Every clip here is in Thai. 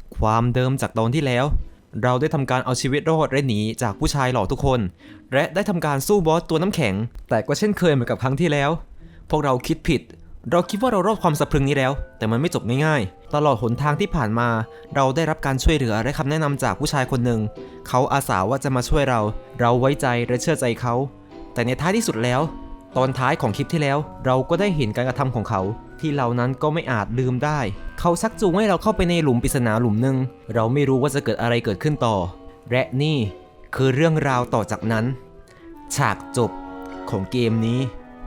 ความเดิมจากตอนที่แล้วเราได้ทำการเอาชีวิตรอดและหนีจากผู้ชายหล่อทุกคนและได้ทำการสู้บอสตัวน้ำแข็งแต่ก็เช่นเคยเหมือนกับครั้งที่แล้วพวกเราคิดผิดเราคิดว่าเรารอดความสะพรึงนี้แล้วแต่มันไม่จบง่ายๆตลอดหนทางที่ผ่านมาเราได้รับการช่วยเหลือและคำแนะนำจากผู้ชายคนหนึ่งเขาอาสาว่าจะมาช่วยเราไว้ใจและเชื่อใจเขาแต่ในท้ายที่สุดแล้วตอนท้ายของคลิปที่แล้วเราก็ได้เห็นการกระทำของเขาที่เรานั้นก็ไม่อาจลืมได้เขาชักจูงให้เราเข้าไปในหลุมปริศนาหลุมหนึ่งเราไม่รู้ว่าจะเกิดอะไรเกิดขึ้นต่อและนี่คือเรื่องราวต่อจากนั้นฉากจบของเกมนี้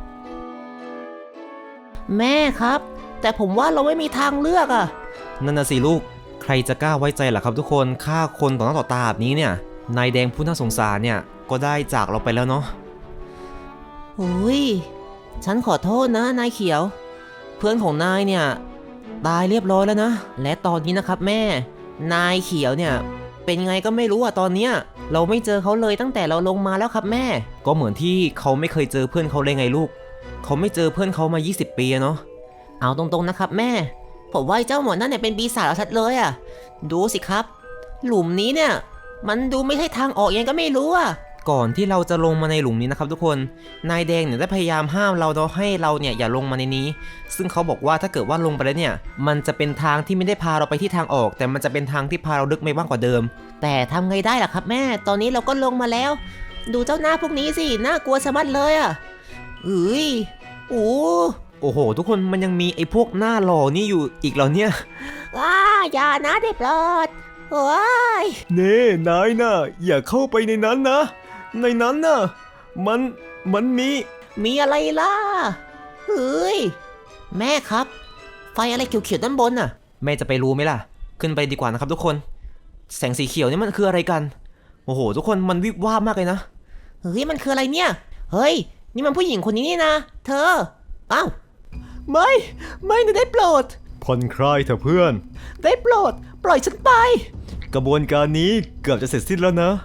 แม่ครับแต่ผมว่าเราไม่มีทางเลือกอะนั่นน่ะสิลูกใครจะกล้าไว้ใจล่ะครับทุกคนฆ่าคนต่อหน้าต่อตาแบบนี้เนี่ยนายแดงผู้น่าสงสารเนี่ยก็ได้จากเราไปแล้วเนาะโอ้ยฉันขอโทษนะนายเขียวเพื่อนของนายเนี่ยตายเรียบร้อยแล้วนะและตอนนี้นะครับแม่นายเขียวเนี่ยเป็นไงก็ไม่รู้อะตอนเนี้ยเราไม่เจอเขาเลยตั้งแต่เราลงมาแล้วครับแม่ก็เหมือนที่เขาไม่เคยเจอเพื่อนเขาเลยไงลูกเขาไม่เจอเพื่อนเขามา20 ปีเนาะเอาตรงๆนะครับแม่ผมว่าเจ้าหมอนั่นเนี่ยเป็นปีศาจชัดเลยอะดูสิครับหลุมนี้เนี่ยมันดูไม่ใช่ทางออกยังก็ไม่รู้อะก่อนที่เราจะลงมาในหลุมนี้นะครับทุกคนนายแดงเนี่ยได้พยายามห้ามเราเนาะให้เราเนี่ยอย่าลงมาในนี้ซึ่งเขาบอกว่าถ้าเกิดว่าลงไปแล้วเนี่ยมันจะเป็นทางที่ไม่ได้พาเราไปที่ทางออกแต่มันจะเป็นทางที่พาเราลึกไปบ้างกว่าเดิมแต่ทำไงได้ล่ะครับแม่ตอนนี้เราก็ลงมาแล้วดูเจ้าหน้าพวกนี้สิน่ากลัวสะมัดเลยอะเอ้ยโอ้โหทุกคนมันยังมีไอ้พวกหน้าหล่อนี่อยู่อีกเหรอเนี่ยอย่านะได้โปรดโอ้ยเน่นายน่ะอย่าเข้าไปในนั้นนะในนั้นน่ะมันมีอะไรล่ะเฮ้ยแม่ครับไฟอะไรเขียวๆด้านบนน่ะแม่จะไปรู้ไหมล่ะขึ้นไปดีกว่านะครับทุกคนแสงสีเขียวนี่มันคืออะไรกันโอ้โหทุกคนมันวิบวับมากเลยนะเฮ้ยมันคืออะไรเนี่ยเฮ้ยนี่มันผู้หญิงคนนี้นี่นะเธออ้าวไม่นะได้โปรดผ่อนคลายเถอะเพื่อนได้โปรดปล่อยฉันไปกระบวนการนี้เกือบจะเสร็จสิ้นแล้วนะ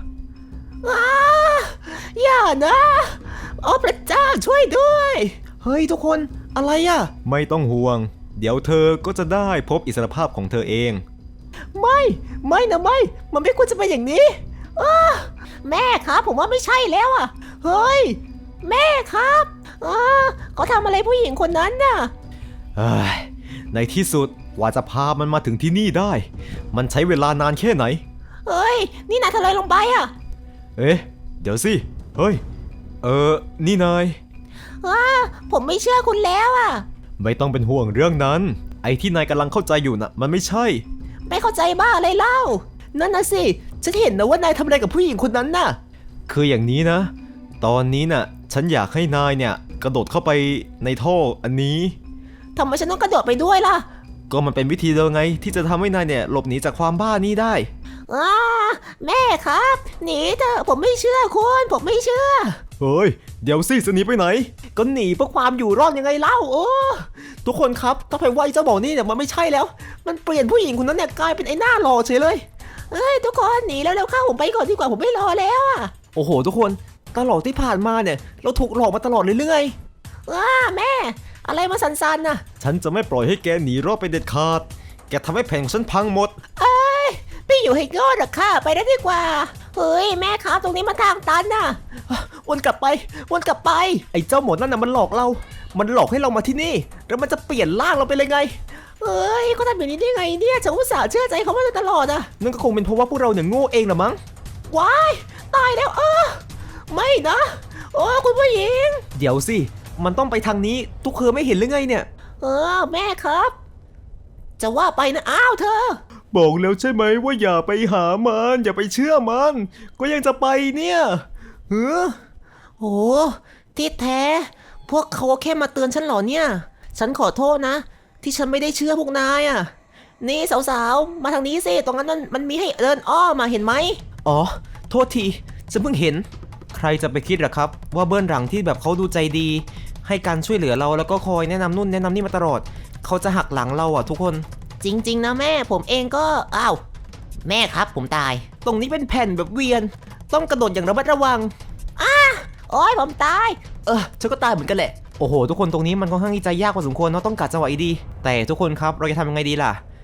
อย่านะโอ้พระเจ้าช่วยด้วยเฮ้ยทุกคนอะไรอ่ะไม่ต้องห่วงเดี๋ยวเธอก็จะได้พบอิสรภาพของเธอเองไม่นะมันไม่ควรจะเป็นอย่างนี้แม่ครับผมว่าไม่ใช่แล้วอ่ะเฮ้ยแม่ครับเขาทำอะไรผู้หญิงคนนั้นน่ะในที่สุดกว่าจะพามันมาถึงที่นี่ได้มันใช้เวลานานแค่ไหนเฮ้ยนี่นายทำอะไรลงไปอ่ะเดี๋ยวสิเฮ้ยนี่นายผมไม่เชื่อคุณแล้วอ่ะไม่ต้องเป็นห่วงเรื่องนั้นไอ้ที่นายกำลังเข้าใจอยู่น่ะมันไม่ใช่ไม่เข้าใจบ้าอะไรเล่านั่นน่ะสิฉันเห็นนะว่านายทำอะไรกับผู้หญิงคนนั้นน่ะคืออย่างนี้นะตอนนี้น่ะฉันอยากให้นายเนี่ยกระโดดเข้าไปในท่ออันนี้ทำไมฉันต้องกระโดดไปด้วยล่ะก็มันเป็นวิธีเดียวไงที่จะทำให้นายเนี่ยหลบหนีจากความบ้านี้ได้แม่ครับหนีเถอะผมไม่เชื่อคุณผมไม่เชื่อเฮ้ยเดี๋ยวสิจะหนีไปไหนก็หนีเพื่อความอยู่รอดยังไงเล่าทุกคนครับถ้าไปไหวเจ้าบอกนี่เนี่ยมันไม่ใช่แล้วมันเปลี่ยนผู้หญิงคนนั้นเนี่ยกลายเป็นไอ้หน้าหล่อเฉยเลยทุกคนหนีแล้วเข้าผมไปก่อนดีกว่าผมไม่รอแล้วโอ้โหทุกคนตลอดที่ผ่านมาเนี่ยเราถูกหลอกมาตลอดเลยเรื่อยแม่อะไรมาสันๆน่ะฉันจะไม่ปล่อยให้แกหนีรอดไปเด็ดขาดแกทำให้แผนของฉันพังหมดพี่อยู่ให้งอดหรอกค่ะไปได้ดีกว่าเฮ้ยแม่ครับตรงนี้มันทางตันน่ะวนกลับไปไอ้เจ้าหมดนั่นน่ะมันหลอกเรามันหลอกให้เรามาที่นี่แล้วมันจะเปลี่ยนร่างเราไปเลยไงเขาทำแบบนี้ได้ไงเนี่ยฉันอุตส่าห์เชื่อใจเขามาตลอดนั่นก็คงเป็นเพราะว่าพวกเราเนี่ยโง่เองละมั้งว้ายตายแล้วไม่นะคุณผู้หญิงเดี๋ยวสิมันต้องไปทางนี้ทุกเคยไม่เห็นหรือไงเนี่ยแม่ครับจะว่าไปนะอ้าวเธอบอกแล้วใช่ไหมว่าอย่าไปหามันอย่าไปเชื่อมันก็ยังจะไปเนี่ยโอ้ที่แท้พวกเขาแค่มาเตือนฉันเหรอเนี่ยฉันขอโทษนะที่ฉันไม่ได้เชื่อพวกนายนี่สาวๆมาทางนี้สิตรงนั้นมันมีให้เดินอ้อมาเห็นไหมโทษทีฉันเพิ่งเห็นใครจะไปคิดล่ะครับว่าเบื้องหลังที่แบบเขาดูใจดีให้การช่วยเหลือเราแล้วก็คอยแนะนำนู่นแนะนำนี่มาตลอดเขาจะหักหลังเราทุกคนจริงๆนะแม่ผมเองก็แม่ครับผมตายตรงนี้เป็นแผ่นแบบเวียนต้องกระโดดอย่างระมัดระวังโอ้ยผมตายฉันก็ตายเหมือนกันแหละโอ้โหทุกคนตรงนี้มันค่อนข้างที่จะยากพอสมควรเนาะต้องกัดจังหวะดีแต่ทุกคนครับเราจะทำยังไงดีล่ะ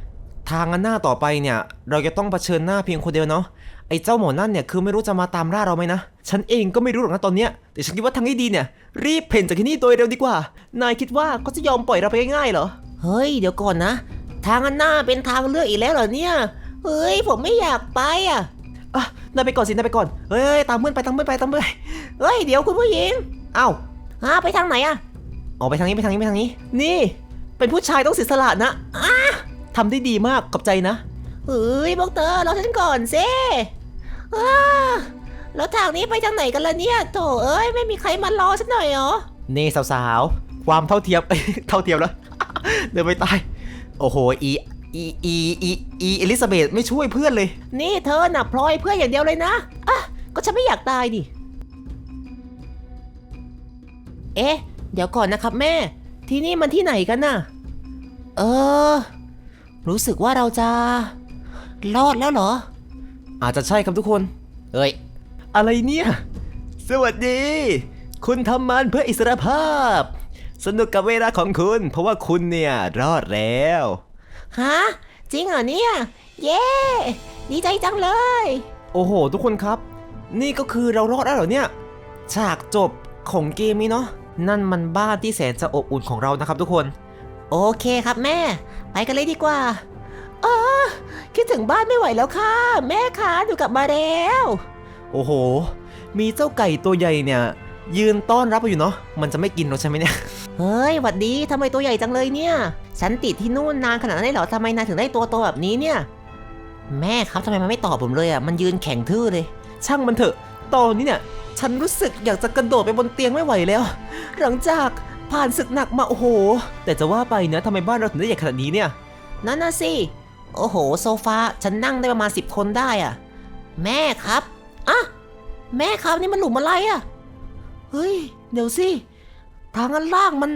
ทางอันหน้าต่อไปเนี่ยเราจะต้องเผชิญหน้าเพียงคนเดียวเนาะไอ้เจ้าหมอนั่นเนี่ยคือไม่รู้จะมาตามล่าเราไหมนะฉันเองก็ไม่รู้หรอกนะตอนเนี้ยแต่ฉันคิดว่าทางที่ดีเนี่ยรีบเพ่นจากที่นี่โดยเร็วดีกว่านายคิดว่าเขาจะยอมปล่อยเราไปง่ายๆเหรอเฮ้ยเดี๋ยวก่อนนะ ทางอันหน้าเป็นทางเลือกอีกแล้วเหรอเนี่ยเฮ้ยผมไม่อยากไปอ่ะอ่ะนายไปก่อนสินายไปก่อนเฮ้ยตามเพื่อนไปตามเพื่อนไปตามเพื่อนไปเฮ้ยเดี๋ยวคุณผู้หญิงเอ้าไปทางไหนอ่ะออกไปทางนี้ไปทางนี้ไปทางนี้ นี่ เป็นผู้ชายต้องเสียสละนะทำได้ดีมากขอบใจนะเฮ้ยพวกเธอรอฉันก่อนสิอ้าแล้วทางนี้ไปทางไหนกันล่ะเนี่ยโถเอ้ยไม่มีใครมารอฉันหน่อยเหรอนี่สาวๆความเท่าเทียม เท่าเทียมแล้ว เดินไปตายโอ้โหเอลิซาเบธไม่ช่วยเพื่อนเลยนี่เธอน่ะพลอยเพื่อนอย่างเดียวเลยนะก็ฉันไม่อยากตายดิเอ๊ะเดี๋ยวก่อนนะครับแม่ที่นี่มันที่ไหนกันน่ะรู้สึกว่าเราจะรอดแล้วเหรออาจจะใช่ครับทุกคนเอ้ยอะไรเนี่ยสวัสดี คุณทำมันเพื่ออิสรภาพ สนุกกับเวลาของคุณเพราะว่าคุณเนี่ยรอดแล้วฮะจริงเหรอเนี่ยเย้ดีใจจังเลยโอ้โหทุกคนครับ นี่ก็คือเรารอดแล้วเหรอเนี่ยฉากจบของเกมนี้เนาะนั่นมันบ้านที่แสนจะอบอุ่นของเรานะครับทุกคนโอเคครับแม่ไปกันเลยดีกว่าคิดถึงบ้านไม่ไหวแล้วค่ะแม่คะหนูกลับมาแล้วโอ้โหมีเจ้าไก่ตัวใหญ่เนี่ยยืนต้อนรับอยู่เนาะมันจะไม่กินเราใช่ไหมเนี่ยเฮ้ยหวัดดีทำไมตัวใหญ่จังเลยเนี่ยฉันติดที่นู่นนานขนาดนั้นเลยเหรอทำไมนายถึงได้ตัวโตแบบนี้เนี่ยแม่ครับทำไมมันไม่ตอบผมเลยอ่ะมันยืนแข็งทื่อเลยช่างมันเถอะตอนนี้เนี่ยฉันรู้สึกอยากจะกระโดดไปบนเตียงไม่ไหวแล้ว หลังจากผ่านศึกหนักมาโอ้โหแต่จะว่าไปนะทำไมบ้านเราถึงได้ใหญ่ขนาดนี้เนี่ยนั่นน่ะสิโอ้โหโซฟาฉันนั่งได้ประมาณ10 คนได้อ่ะแม่ครับแม่ครับนี่มันหลุมอะไรอ่ะเฮ้ยเดี๋ยวสิทางอันล่างมัน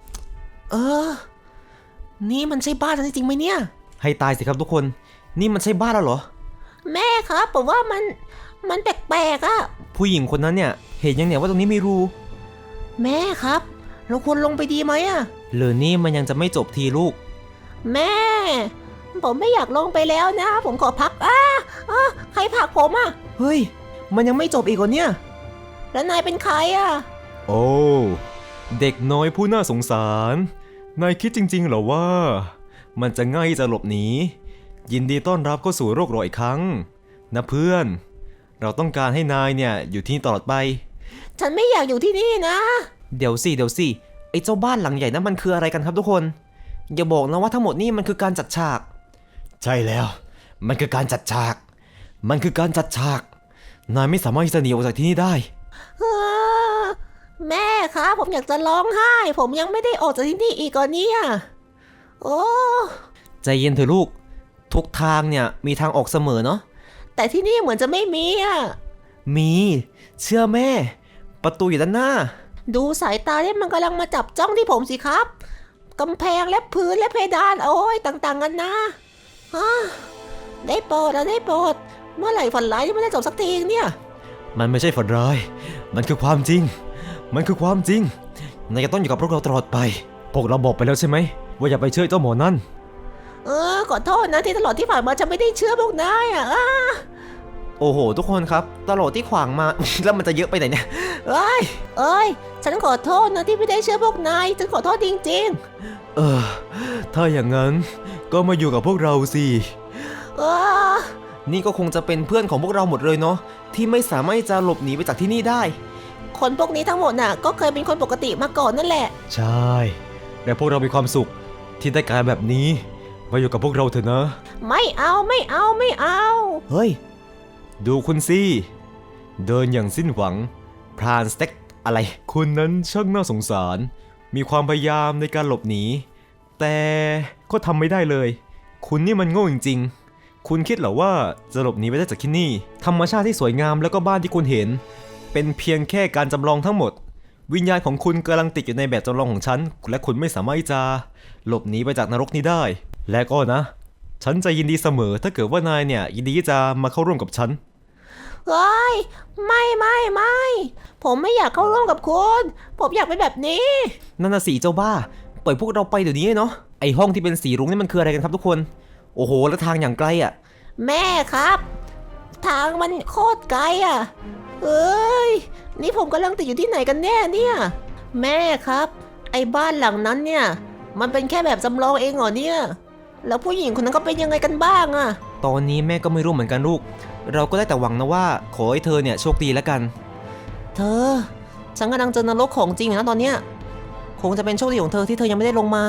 นี่มันใช่บ้านฉันจริงๆไหมเนี่ยให้ตายสิครับทุกคนนี่มันใช่บ้านเราเหรอแม่ครับผมว่ามันแปลกๆอ่ะผู้หญิงคนนั้นเนี่ยเห็นยังเนี่ยว่าตรงนี้มีรูแม่ครับเราควรลงไปดีไหมอ่ะหรือนี่มันยังจะไม่จบทีลูกแม่ผมไม่อยากลงไปแล้วนะผมขอพักใครผลักผมอ่ะเฮ้ยมันยังไม่จบอีกเหรอเนี่ยแล้วนายเป็นใครอ่ะโอ้เด็กน้อยผู้น่าสงสารนายคิดจริงๆเหรอว่ามันจะง่ายจะหลบหนียินดีต้อนรับเข้าสู่โลกเราอีกครั้งนะเพื่อนเราต้องการให้นายเนี่ยอยู่ที่นี่ตลอดไปฉันไม่อยากอยู่ที่นี่นะเดี๋ยวสิไอ้เจ้าบ้านหลังใหญ่นั้นมันคืออะไรกันครับทุกคนอย่าบอกนะว่าทั้งหมดนี่มันคือการจัดฉากใช่แล้วมันคือการจัดฉากนายไม่สามารถที่จะหนีออกจากที่นี่ได้แม่ครับผมอยากจะร้องไห้ผมยังไม่ได้ออกจากที่นี่อีกก่อนเนี่ยโอ้ใจเย็นเถอะลูกทุกทางเนี่ยมีทางออกเสมอเนาะแต่ที่นี่เหมือนจะไม่มีอ่ะมีเชื่อแม่ประตูอยู่ด้านหน้าดูสายตาที่มันกำลังมาจับจ้องที่ผมสิครับกำแพงและพื้นและเพดานโอ้ยต่างๆกันนะได้โปรดได้โปรดเมื่อไหร่ฝันร้ายที่มันจะจบสักทีเนี่ยมันไม่ใช่ฝันร้ายมันคือความจริงนายจะต้องอยู่กับพวกเราตลอดไปพวกเราบอกไปแล้วใช่ไหมว่าอย่าไปเชื่อเจ้าหมอนั่นขอโทษนะที่ตลอดที่ผ่านมาฉันไม่ได้เชื่อพวกนายอ่ะโอ้โหทุกคนครับตลอดที่ขวางมา แล้วมันจะเยอะไปไหนเนี่ยเอ้ยฉันขอโทษนะที่ไม่ได้เชื่อพวกนายฉันขอโทษจริงถ้าอย่างนั้นก็มาอยู่กับพวกเราสิๆนี่ก็คงจะเป็นเพื่อนของพวกเราหมดเลยเนาะที่ไม่สามารถจะหลบหนีไปจากที่นี่ได้คนพวกนี้ทั้งหมดน่ะก็เคยเป็นคนปกติมาก่อนนั่นแหละใช่แต่พวกเรามีความสุขที่ได้การแบบนี้มาอยู่กับพวกเราเถอะนะไม่เอาเฮ้ยดูคุณสิเดินอย่างสิ้นหวังพรานสเต็กอะไรคุณนั้นช่างน่าสงสารมีความพยายามในการหลบหนีแต่ก็ทำไม่ได้เลยคุณนี่มันโง่จริงๆคุณคิดเหรอว่าจะหลบหนีไปได้จากที่นี่ธรรมชาติที่สวยงามแล้วก็บ้านที่คุณเห็นเป็นเพียงแค่การจำลองทั้งหมดวิญญาณของคุณกำลังติดอยู่ในแบบจำลองของฉันและคุณไม่สามารถที่จะหลบหนีไปจากนรกนี้ได้และก็นะฉันจะยินดีเสมอถ้าเกิดว่านายเนี่ยยินดีที่จะมาเข้าร่วมกับฉันเฮ้ยไม่ผมไม่อยากเข้าร่วมกับคุณผมอยากเป็นแบบนี้นั่นน่ะสีเจ้าบ้าปล่อยพวกเราไปเดี๋ยวนี้เนาะไอห้องที่เป็นสีรุ้งนี่มันคืออะไรกันครับทุกคนโอ้โหแล้วทางอย่างไกลอ่ะแม่ครับ ทางมันโคตรไกลอ่ะเอ้ยนี่ผมกำลังติดอยู่ที่ไหนกันแน่เนี่ยแม่ครับไอ้บ้านหลังนั้นเนี่ยมันเป็นแค่แบบจำลองเองเหรอเนี่ยแล้วผู้หญิงคนนั้นก็เป็นยังไงกันบ้างอ่ะตอนนี้แม่ก็ไม่รู้เหมือนกันลูก เราก็ได้แต่หวังนะว่าขอให้เธอเนี่ยโชคดีแล้วกันเธอฉันกำลังเจอนรกของจริงอยู่นะตอนเนี้ยคงจะเป็นโชคดีของเธอที่เธอยังไม่ได้ลงมา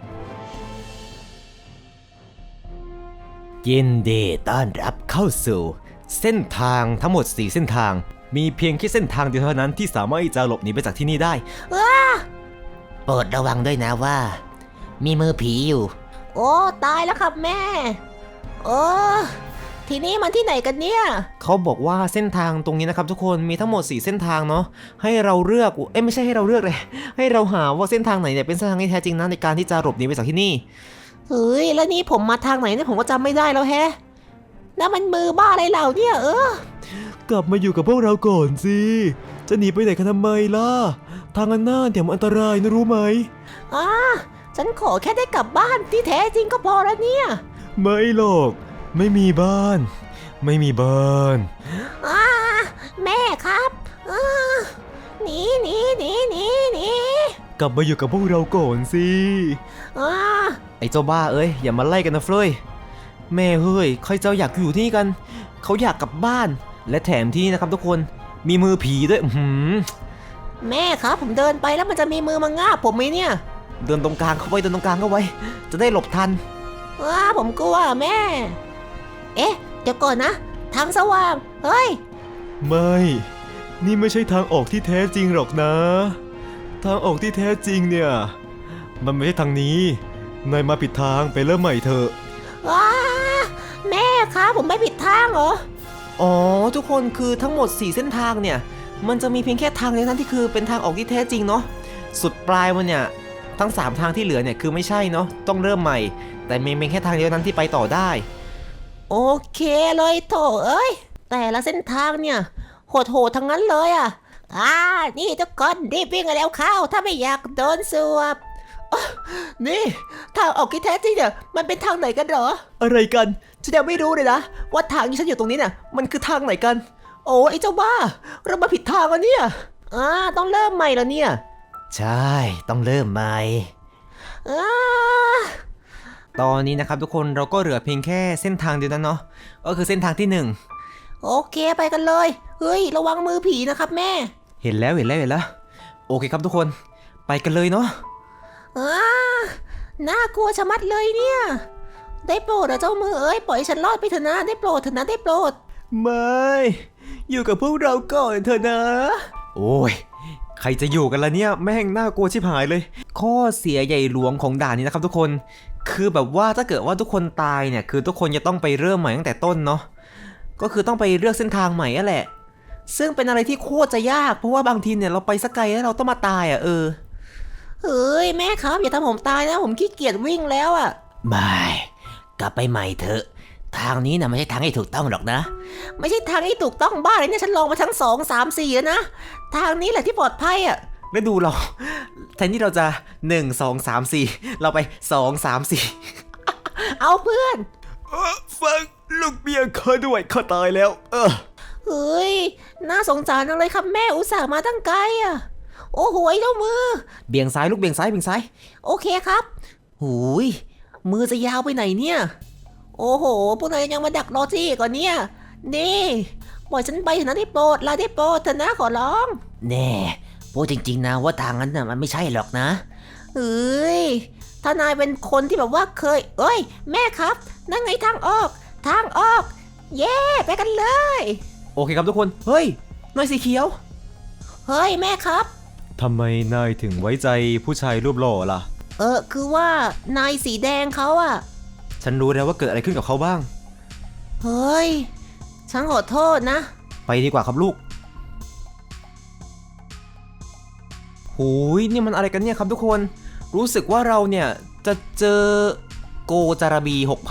ยินดีต้อนรับเข้าสู่ เส้นทางทั้งหมด 4 เส้นทาง มีเพียงแค่เส้นทางเดียวเท่านั้นที่สามารถที่จะหลบหนีไปจากที่นี่ได้โปรดระวังด้วยนะว่า มีมือผีอยู่ โอ้ตายแล้วครับแม่โอ้ทีนี้มันที่ไหนกันเนี่ยเขาบอกว่าเส้นทางตรงนี้นะครับทุกคนมีทั้งหมด 4 เส้นทางเนาะให้เราเลือกไม่ใช่ให้เราเลือกเลย ให้เราหาว่าเส้นทางไหนเนี่ยเป็นเส้นทางที่แท้จริงนะในการที่จะหลบหนีไปจากที่นี่เฮ้ยแล้วนี่ผมมาทางไหนเนี่ยผมก็จำไม่ได้แล้วแฮะนั่นมันมือบ้าอะไรเหล่าเนี่ยกลับมาอยู่กับพวกเราก่อนสิจะหนีไปไหนกันทำไมล่ะทางอันหน้าเดี๋ยวมันอันตรายนะรู้ไหมอ่าฉันขอแค่ได้กลับบ้านที่แท้จริงก็พอแล้วเนี่ยไม่หรอกไม่มีบ้าน ไม่มีบ้านอ่าแม่ครับหนีหนีหนีหนีหนีกลับมาอยู่กับพวกเราก่อนสิอ่าไอ้เจ้าบ้าเอ้ยอย่ามาไล่กันนะเฟยแม่เฮ้ยใครจะอยากอยู่ที่นี่กันเขาอยากกลับบ้านและแถมที่นี่นะครับทุกคนมีมือผีด้วยแม่ครับผมเดินไปแล้วมันจะมีมือมางาบผมไหมเนี่ยเดินตรงกลางเข้าไว้เดินตรงกลางเข้าไว้จะได้หลบทันผมกลัวแม่ เอ๊ะเดี๋ยวก่อนนะ ทางสว่างเฮ้ยไม่ นี่ไม่ใช่ทางออกที่แท้จริงหรอกนะ ทางออกที่แท้จริงเนี่ยมันไม่ใช่ทางนี้นายมาผิดทางไปเริ่มใหม่เถอะแม่ครับผมไม่ผิดทางเหรออ๋อทุกคนคือทั้งหมด 4 เส้นทางเนี่ยมันจะมีเพียงแค่ทางเดียวนั้นที่คือเป็นทางออกที่แท้จริงเนาะสุดปลายมันเนี่ยทั้ง3ทางที่เหลือเนี่ยคือไม่ใช่เนาะต้องเริ่มใหม่แต่มีเพียงแค่ทางเดียวนั้นที่ไปต่อได้โอเคเลยโถเอ้ยแต่ละเส้นทางเนี่ยโหดๆทั้งนั้นเลยอ่ะนี่ทุกคนรีบวิ่งกันแล้วเข้าถ้าไม่อยากโดนสวบนี่ทางออกที่แท้จริงเนี่ยมันเป็นทางไหนกันเหรออะไรกันฉันยังไม่รู้เลยนะว่าทางที่ฉันอยู่ตรงนี้เนี่ยมันคือทางไหนกันโอ้ไอ้เจ้าบ้าเรามาผิดทางแล้วเนี่ยต้องเริ่มใหม่แล้วเนี่ยใช่ต้องเริ่มใหม่ตอนนี้นะครับทุกคนเราก็เหลือเพียงแค่เส้นทางเดียวนั้นเนาะก็คือเส้นทางที่1 โอเคไปกันเลยเฮ้ยระวังมือผีนะครับแม่เห็นแล้วโอเคครับทุกคนไปกันเลยเนาะน่ากลัวชะมัดเลยเนี่ยได้โปรดนะเจ้ามือเอ้ยปล่อยฉันรอดไปเถอะนะได้โปรดเถอะนะได้โปรดไม่อยู่กับพวกเราก่อนเถอะนะโอ้ยใครจะอยู่กันล่ะเนี่ยแม่งน่ากลัวชิบหายเลยข้อเสียใหญ่หลวงของด่านนี้นะครับทุกคนคือแบบว่าถ้าเกิดว่าทุกคนตายเนี่ยคือทุกคนจะต้องไปเริ่มใหม่ตั้งแต่ต้นเนาะก็คือต้องไปเลือกเส้นทางใหม่นั่นแหละซึ่งเป็นอะไรที่โคตรจะยากเพราะว่าบางทีเนี่ยเราไปสักไกลแล้วเราต้องมาตายเฮ้ยแม่ครับอย่าทำผมตายนะผมขี้เกียจวิ่งแล้วไม่กลับไปใหม่เถอะทางนี้นะไม่ใช่ทางที่ถูกต้องหรอกนะไม่ใช่ทางที่ถูกต้องบ้าเลยเนี่ยฉันลองมาทั้ง2 3 4แล้วนะทางนี้แหละที่ปลอดภัยแล้วดูเราแทนที่เราจะ1 2 3 4เราไป2 3 4 เอาเพื่อนฟังลูกเมียข้าด้วยข้าตายแล้วเฮ้ยน่าสงสารจังเลยครับแม่อุตส่าห์มาตั้งไกลโอ้โหเจ้ามือเบี่ยงซ้ายลูกเบี่ยงซ้ายโอเคครับหูยมือจะยาวไปไหนเนี่ยโอ้โหพวกนายยังมาดักรอที่ก่อนเนี่ยนี่ปล่อยฉันไปเถอะนะได้โปรดลาได้โปรดเถอะนะขอร้องแน่พูดจริงๆนะว่าทางนั้นน่ะมันไม่ใช่หรอกนะเฮ้ยถ้านายเป็นคนที่แบบว่าเคยแม่ครับนั่นไงทางออกเย้ไปกันเลยโอเคครับทุกคนเฮ้ยนายสีเขียวเฮ้ยแม่ครับทำไมนายถึงไว้ใจผู้ชายรูปหล่อล่ะคือว่านายสีแดงเขาฉันรู้แล้วว่าเกิดอะไรขึ้นกับเขาบ้างเฮ้ยฉันขอโทษนะไปดีกว่าครับลูกหูยนี่มันอะไรกันเนี่ยครับทุกคนรู้สึกว่าเราเนี่ยจะเจอโกจาราบี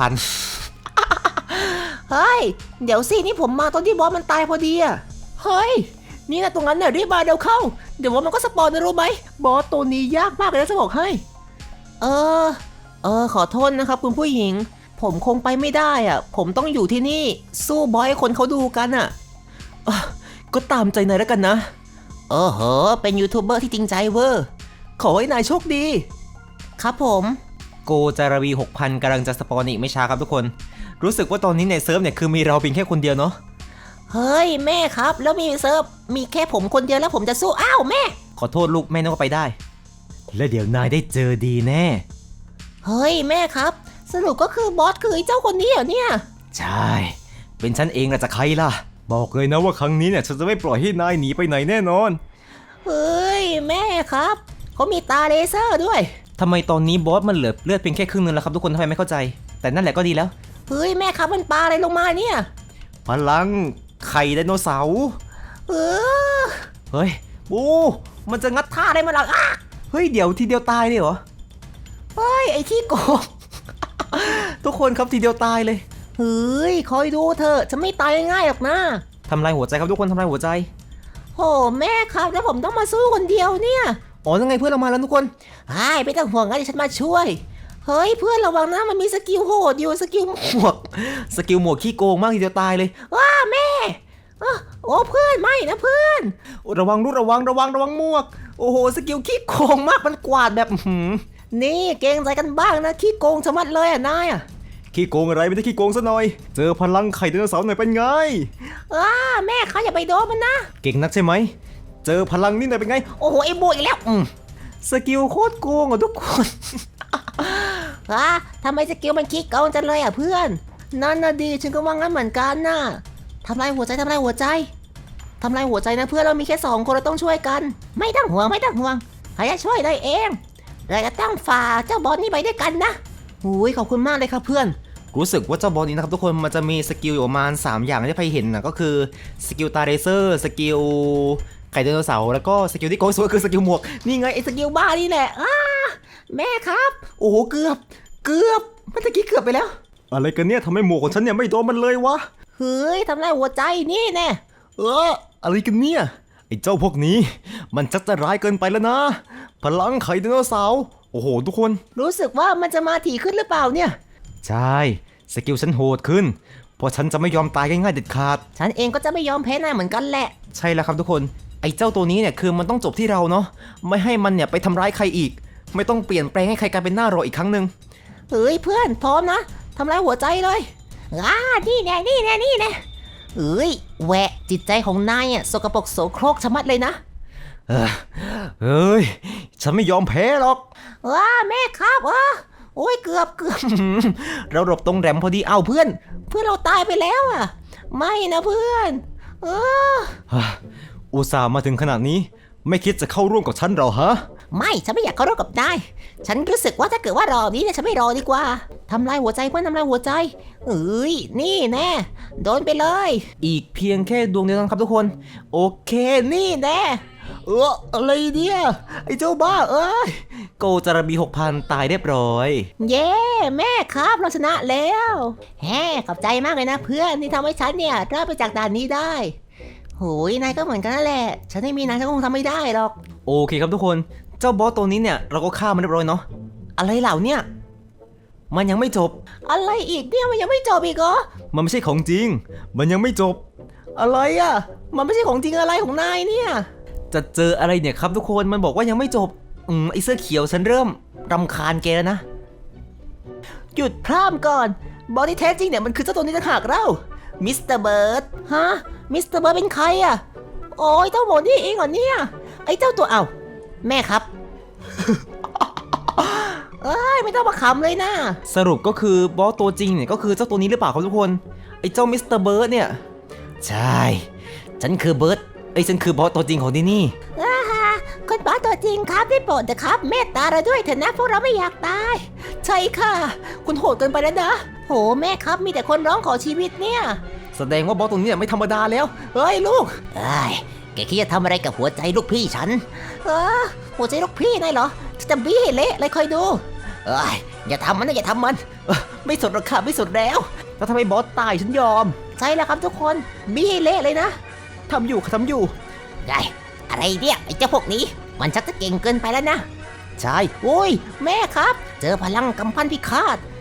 6,000 เฮ้ยเดี๋ยวสินี่ผมมาตอนที่บอสมันตายพอดีเฮ้ยนี่นะตรงนั้นเนี่ยรีบมาเดี๋ยวเข้าเดี๋ยวว่ามันก็สปอนนะรู้ไหมบอสตัวนี้ยากมากเลยนะจะบอกให้ขอโทษนะครับคุณผู้หญิงผมคงไปไม่ได้อ่ะ ผมต้องอยู่ที่นี่ สู้บอยให้คนเขาดูกันอ่ะก็ตามใจนายแล้วกันนะเป็นยูทูบเบอร์ที่จริงใจเวอร์ขอให้นายโชคดี ครับผมโกจาราวี 6,000 กำลังจะสปอนอีกไม่ช้าครับทุกคน รู้สึกว่าตอนนี้ในเซิร์ฟเนี่ยคือมีเราเพียงแค่คนเดียวเนาะเฮ้ยแม่ครับแล้วมีเซิร์ฟมีแค่ผมคนเดียวแล้วผมจะสู้อ้าวแม่ขอโทษลูกแม่นึกว่าไปได้ และเดี๋ยวนายได้เจอดีแน่เฮ้ยแม่ครับสรุปก็คือบอสคือไอ้เจ้าคนนี้เหรอเนี่ยใช่ เป็นฉันเองล่ะจะใครล่ะ บอกเลยนะว่าครั้งนี้เนี่ยฉันจะไม่ปล่อยให้นายหนีไปไหนแน่นอนเฮ้ยแม่ครับเขามีตาเลเซอร์ด้วยทำไมตอนนี้บอสมันเหลือเลือดเพียงแค่ครึ่งนึงแล้วครับทุกคนทำไมไม่เข้าใจ แต่นั่นแหละก็ดีแล้วเฮ้ยแม่ครับมันปลาอะไรลงมาเนี่ยพลังไข่ไดโนเสาร์เออเฮ้ยบูมันจะงัดท่าอะไรมาหรออ่ะเฮ้ยเดี๋ยวทีเดียวตายเลยเหรอเฮ้ยไอ้ขี้โกงทุกคนครับทีเดียวตายเลยเฮ้ยคอยดูเถอะจะไม่ตายง่ายๆหรอกนะทำลายหัวใจครับทุกคนทำลายหัวใจโหแม่ครับแล้วผมต้องมาสู้คนเดียวเนี่ยอ๋อยังไงเพื่อนเรามาแล้วทุกคนไม่ต้องห่วงนะเดี๋ยวฉันมาช่วย เฮ้ยเพื่อนระวังนะมันมีสกิลโหดอยู่สกิลหมวกสกิลหมวกขี้โกงมากทีเดียวตายเลยว้าแม่โอ้เพื่อนไม่นะเพื่อนระวังลูกระวังหมวก โอ้โหสกิลขี้โกงมากมันกวาดแบบนี่เกรงใจกันบ้างนะขี้โกงชะมัดเลยอ่ะนายอ่ะขี้โกงอะไรไม่ได้ขี้โกงซะหน่อย เจอพลังไข่ไดโนเสาร์หน่อยเป็นไงแม่เขาอย่าไปโดนมันนะเก่งนักใช่ไหม เจอพลังนี่หน่อยเป็นไงโอ้โหไอ้โบอีกแล้วสกิลโคตรโกงอ่ะทุกคนทำไมสกิลมันขี้โกงจังเลยอ่ะเพื่อนนั่นน่ะดีฉันก็ว่างั้นเหมือนกันน่ะทำลายหัวใจทำลายหัวใจทำลายหัวใจนะเพื่อนเรามีแค่2 คนเราต้องช่วยกันไม่ต้องห่วงใครจะช่วยได้เองเราจะต้องฝ่าเจ้าบอลนี่ไปด้วยกันนะขอบคุณมากเลยครับเพื่อนรู้สึกว่าเจ้าบอลนี้นะครับทุกคนมันจะมีสกิลอยู่ประมาณ3อย่างที่ใครเห็นนะก็คือสกิลตาเรเซอร์สกิลไข่ไดโนเสาร์แล้วก็สกิลที่โกงสุดก็คือสกิลหมวกนี่ไงไอ้สกิลบ้านี่แหละแม่ครับโอ้โหเกือบเมื่อกี้เกือบไปแล้วอะไรกันเนี่ยทำไมหมวกของฉันเนี่ยไม่โดนมันเลยวะเฮ้ยทำลายหัวใจนี่แน่อะไรกันเนี่ยไอ้เจ้าพวกนี้มันชักจะร้ายเกินไปแล้วนะพลังไข่ไดโนเสาร์โอ้โหทุกคนรู้สึกว่ามันจะมาถี่ขึ้นหรือเปล่าเนี่ยใช่สกิลฉันโหดขึ้นเพราะฉันจะไม่ยอมตายง่ายๆเด็ดขาดฉันเองก็จะไม่ยอมแพ้นายเหมือนกันแหละใช่แล้วครับทุกคนไอ้เจ้าตัวนี้เนี่ยคือมันต้องจบที่เราเนาะไม่ให้มันเนี่ยไปทำร้ายใครอีกไม่ต้องเปลี่ยนแปลงให้ใครกลายเป็นหน้ารออีกครั้งหนึ่งเฮ้ยเพื่อนพร้อมนะทำลายหัวใจเลยนี่แน่แหวะจิตใจของนายสกปรกโสโครกชะมัดเลยนะเฮ้ยฉันไม่ยอมแพ้หรอกแม่ครับโอ้ยเกือบเราหลบตรงแรมพอดีเอาเพื่อนเราตายไปแล้วไม่นะเพื่อนอุตส่าห์มาถึงขนาดนี้ไม่คิดจะเข้าร่วมกับฉันหรอฮะไม่ฉันไม่อยากเข้าร่วมกับนายฉันรู้สึกว่าถ้าเกิดว่ารอนี้เนี่ยฉันไม่รอดีกว่าทำลายหัวใจเพื่อนทำลายหัวใจนี่แน่โดนไปเลยอีกเพียงแค่ดวงเดียวนะครับทุกคนโอเคนี่แน่อะไรเนี่ยไอ้เจ้าบ้าโกจาราบี 6,000 ตายเรียบร้อยเย้แม่ครับเราชนะแล้วขอบใจมากเลยนะเพื่อนที่ทำให้ฉันเนี่ยรอดไปจากด่านนี้ได้โหยนายก็เหมือนกันนั่นแหละฉันไม่มีนายฉันคงทำไม่ได้หรอกโอเคครับทุกคนเจ้าบอสตัวนี้เนี่ยเราก็ฆ่ามันเรียบร้อยเนาะอะไรเหล่าเนี่ยมันยังไม่จบอะไรอีกเนี่ยมันยังไม่จบอีกเหรอมันไม่ใช่ของจริงมันยังไม่จบอะไรมันไม่ใช่ของจริงอะไรของนายเนี่ยจะเจออะไรเนี่ยครับทุกคนมันบอกว่ายังไม่จบไอเสื้อเขียวฉันเริ่มรำคาญแกแล้วนะหยุดพร่ำก่อนบอสที่แท้จริงเนี่ยมันคือเจ้าตัวนี้ต่างหากเรามิสเตอร์เบิร์ดมิสเตอร์เบิร์ดเป็นใครโอ้ยเจ้าหมอนี่เองเหรอเนี่ยไอ้เจ้าตัวแม่ครับ ไม่ต้องมาขำเลยนะสรุปก็คือบอสตัวจริงเนี่ยก็คือเจ้าตัวนี้หรือเปล่าครับทุกคนไอ้เจ้ามิสเตอร์เบิร์ดเนี่ยใช่ฉันคือเบิร์ดฉันคือบอสตัวจริงของที่นี่คุณบอสตัวจริงครับได้โปรดนะครับเมตตาเราด้วยเถอะนะพวกเราไม่อยากตายใช่ค่ะคุณโหดเกินไปแล้วนะโหแม่ครับมีแต่คนร้องขอชีวิตเนี่ยแสดงว่าบอสตัวนี้ไม่ธรรมดาแล้วลูกแกคิดจะทำอะไรกับหัวใจลูกพี่ฉันหัวใจลูกพี่นายเหรอจะบี้ให้เละเลยคอยดูอย่าทำมันนะอย่าทำมันไม่สดหรอกค่ะไม่สดแล้วทำไมบอสตายฉันยอมใช่แล้วครับทุกคนบี้ให้เละเลยนะทำอยู่ได้อะไรเนี่ยไอ้เจ้าพวกนี้มันชักจะเก่งเกินไปแล้วนะใช่โอ้ยแม่ครับเจอพลังกำปั้นพิฆาต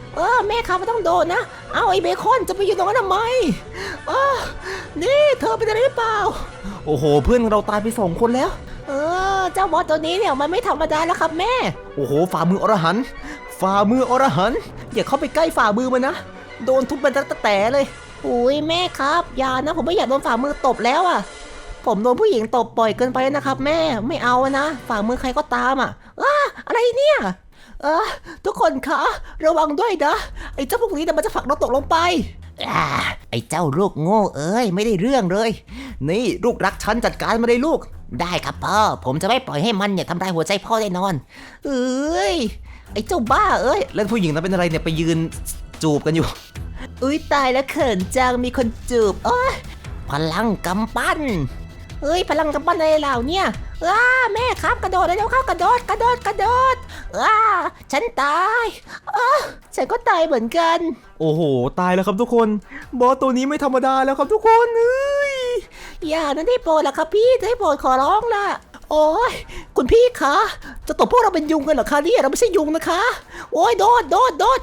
แม่ครับไม่ต้องโดนนะเอาไอ้เบคอนจะไปอยู่ตรงนั้นทำไมนี่เธอเป็นอะไรหรือเปล่าโอ้โหเพื่อนเราตายไป2 คนแล้วเจ้าบอสตัวนี้เนี่ยมันไม่ธรรมดาแล้วครับแม่โอ้โหฝ่ามืออรหันต์ฝ่ามืออรหันต์อย่าเข้าไปใกล้ฝ่ามือมันนะโดนทุบเป็นตะแต่เลยอุ้ยแม่ครับอย่านะผมไม่อยากโดนฝ่ามือตบแล้วอ่ะผมโดนผู้หญิงตบบ่อยเกินไปนะครับแม่ไม่เอานะฝ่ามือใครก็ตามอ่ะอะไรเนี่ยทุกคนคะระวังด้วยนะไอ้เจ้าพวกนี้มันจะผลักเราตกลงไปไอ้เจ้าลูกโง่เอ้ยไม่ได้เรื่องเลยนี่ลูกรักฉันจัดการมาเลยลูกได้ครับพ่อผมจะไม่ปล่อยให้มันเนี่ยทำลายหัวใจพ่อแน่นอนไอ้เจ้าบ้าเอ้ยแล้วผู้หญิงนั้นเป็นอะไรเนี่ยไปยืนจูบกันอยู่ตายแล้วเขินจังมีคนจูบพลังกำปั้นพลังกำปั้นอะไรเหล่าเนี่ยแม่ครับกระโดดแล้วเข้ากระโดดฉันตายฉันก็ตายเหมือนกันโอ้โหตายแล้วครับทุกคนบอสตัวนี้ไม่ธรรมดาแล้วครับทุกคนอย่านั้นได้โปรดล่ะครับพี่ได้โปรดขอร้องล่ะโอ้ยคุณพี่คะจะตบพวกเราเป็นยุงกันเหรอคะเนี่ยเราไม่ใช่ยุงนะคะโอ้ยโดด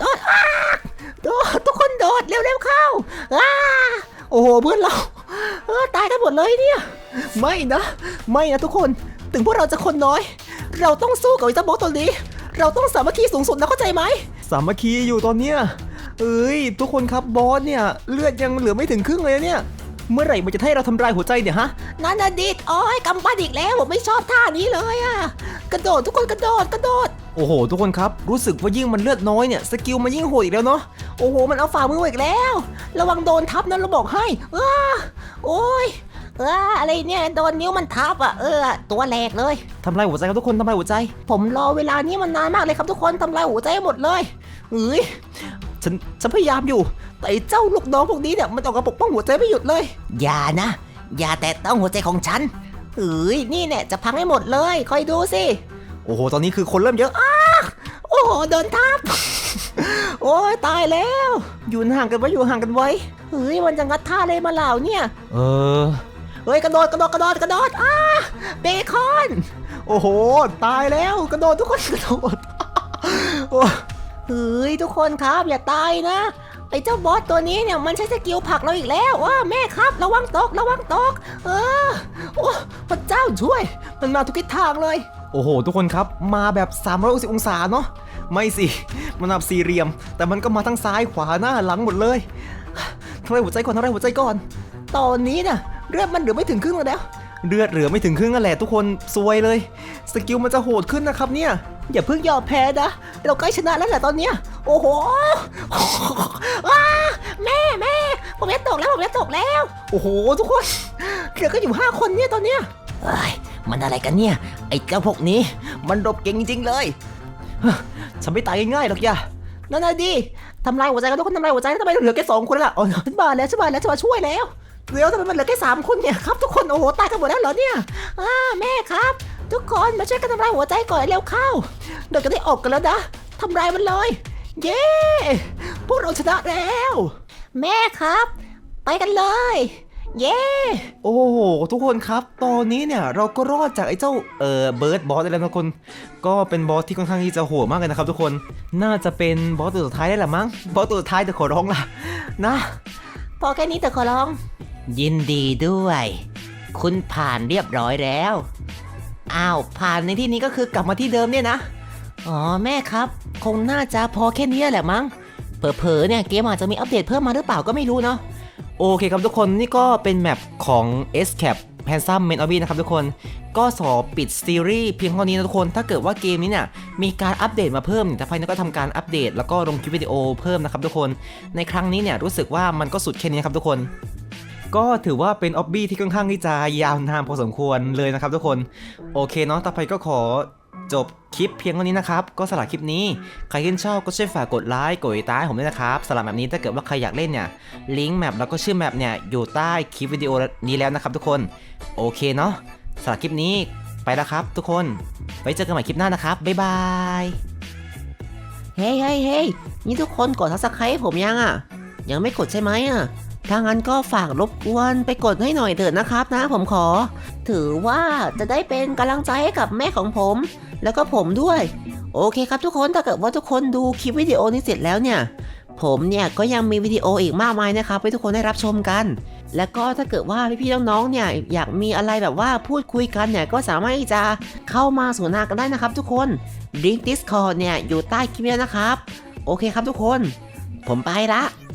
ทุกคนโดดเร็วเข้าโอ้โหเพื่อนเราตายกันหมดเลยเนี่ยไม่นะทุกคนถึงพวกเราจะคนน้อยเราต้องสู้กับไอ้เจ้าบอสตัวนี้เราต้องสามัคคีสูงสุดนะเข้าใจไหมสามัคคีอยู่ตอนเนี้ยทุกคนครับบอสเนี่ยเลือดยังเหลือไม่ถึงครึ่งเลยเนี่ยเมื่อไหร่มันจะให้เราทำลายหัวใจเนี่ยฮะนั่นน่ะดิกำปั้นอีกแล้วผมไม่ชอบท่านี้เลยกระโดดทุกคนกระโดดโอ้โหทุกคนครับรู้สึกว่ายิ่งมันเลือดน้อยเนี่ยสกิลมันยิ่งโหดอีกแล้วเนาะโอ้โหมันเอาฝ่ามืออีกแล้วระวังโดนทับนะเราบอกให้โอ้ยอะไรเนี่ยโดนนิ้วมันทับตัวแหลกเลยทำลายหัวใจครับทุกคนทำลายหัวใจผมรอเวลานี้มันนานมากเลยครับทุกคนทำลายหัวใจหมดเลยฉันพยายามอยู่แต่เจ้าลูกน้องพวกนี้เนี่ยมันออกกระปกป้องหัวใจไม่หยุดเลยอย่านะอย่าแตะต้องหัวใจของฉันนี่เนี่ยจะพังให้หมดเลยคอยดูสิโอ้โหตอนนี้คือคนเริ่มเยอะโอ้โหโดนทับ โอ้ยตายแล้วอยู่ห่างกันไว้มันจะงัดท่าอะไรมาเหล่าเนี่ยกระโดดเบคอนโอ้โหตายแล้วกระโดดทุกคนกระโดดทุกคนครับอย่าตายนะไอ้เจ้าบอสตัวนี้เนี่ยมันใช้สกิลผลักเราอีกแล้วแม่ครับระวังตกโอ้พระเจ้าช่วยมันมาทุกทิศทางเลยโอ้โหทุกคนครับมาแบบ360องศาเนาะไม่สิมันแบบสี่เหลี่ยมแต่มันก็มาทั้งซ้ายขวาหน้าหลังหมดเลยทำลายหัวใจก่อนตอนนี้น่ะเลือดมันเหลือไม่ถึงครึ่งแล้วเลือดเหลือไม่ถึงครึ่งนั่นแหละทุกคนซวยเลยสกิลมันจะโหดขึ้นนะครับเนี่ยอย่าเพิ่งยอมแพ้นะเราใกล้ชนะแล้วแหละตอนเนี้ยโอ้โหแม่ผมจะตกแล้วโอ้โหทุกคนเหลือก็อยู่5 คนเนี่ยตอนเนี้ยมันอะไรกันเนี่ยไอ้เจ้าพวกนี้มันรบเก่งจริงๆเลยฉันไม่ตายง่ายๆหรอกย่านั่นน่ะดิทำลายหัวใจกันทุกคนทำลายหัวใจแล้วทำไมเหลือแค่2 คนล่ะฉันมาแล้วฉันมาช่วยแล้วทำไมมันเหลือแค่3 คนเนี่ยครับทุกคนโอ้โหตายกันหมดแล้วเหรอเนี่ยแม่ครับทุกคนมาช่วยกันทำลายหัวใจก่อนเร็วเข้าเดี๋ยวจะได้ออกกันแล้วนะทำลายมันเลยเย้พวกเราชนะแล้วแม่ครับไปกันเลยเย้โอ้โหทุกคนครับตอนนี้เนี่ยเราก็รอดจากไอ้เจ้าเบิร์ดบอสได้แล้วทุกคนก็เป็นบอสที่ค่อนข้างที่จะโหดมากเลยนะครับทุกคนน่าจะเป็นบอสตัวสุดท้ายได้แหละมั้งบอสตัวสุดท้ายแต่ขอร้องล่ะนะพอแค่นี้แต่ขอร้องยินดีด้วยคุณผ่านเรียบร้อยแล้วผ่านในที่นี้ก็คือกลับมาที่เดิมเนี่ยนะแม่ครับคงน่าจะพอแค่นี้แหละมั้งเผลอๆเนี่ยเกมอาจจะมีอัปเดตเพิ่มมาหรือเปล่าก็ไม่รู้เนาะโอเคครับทุกคนนี่ก็เป็นแมปของ Escape Handsome Man Obby นะครับทุกคนก็ปิดซีรีส์เพียงเท่านี้นะทุกคนถ้าเกิดว่าเกมนี้เนี่ยมีการอัปเดตมาเพิ่มแต่ภายในก็ทำการอัปเดตแล้วก็ลงคลิปวิดีโอเพิ่มนะครับทุกคนในครั้งนี้เนี่ยรู้สึกว่ามันก็สุดแค่นี้ครับทุกคนก็ถือว่าเป็นออบบี้ที่ค่อนข้างที่จะยาวนานพอสมควรเลยนะครับทุกคนโอเคเนาะต่อไปก็ขอจบคลิปเพียงเท่านี้นะครับก็สำหรับคลิปนี้ใครที่ชอบก็ช่วยฝากกดไลค์กดติดตามผมด้วยนะครับสำหรับแบบนี้ถ้าเกิดว่าใครอยากเล่นเนี่ยลิงก์แมปแล้วก็ชื่อแมปเนี่ยอยู่ใต้คลิปวิดีโอนี้แล้วนะครับทุกคนโอเคเนาะสำหรับคลิปนี้ไปแล้วครับทุกคนไว้เจอกันใหม่คลิปหน้านะครับบ๊ายบายเฮ้ยนี่ทุกคนกด Subscribe ผมยังไม่กดใช่ไหมถ้างั้นก็ฝากรบกวนไปกดให้หน่อยเถิดนะครับนะผมขอถือว่าจะได้เป็นกำลังใจให้กับแม่ของผมแล้วก็ผมด้วยโอเคครับทุกคนถ้าเกิดว่าทุกคนดูคลิปวิดีโอนี้เสร็จแล้วเนี่ยผมเนี่ยก็ยังมีวิดีโออีกมากมายนะครับให้ทุกคนได้รับชมกัน แล้วก็ถ้าเกิดว่าพี่ๆน้องๆเนี่ยอยากมีอะไรแบบว่าพูดคุยกันเนี่ยก็สามารถที่จะเข้ามาสนทนากันได้นะครับทุกคนลิงก์ Discord เนี่ยอยู่ใต้คลิปนี้นะครับโอเคครับทุกคนผมไปละ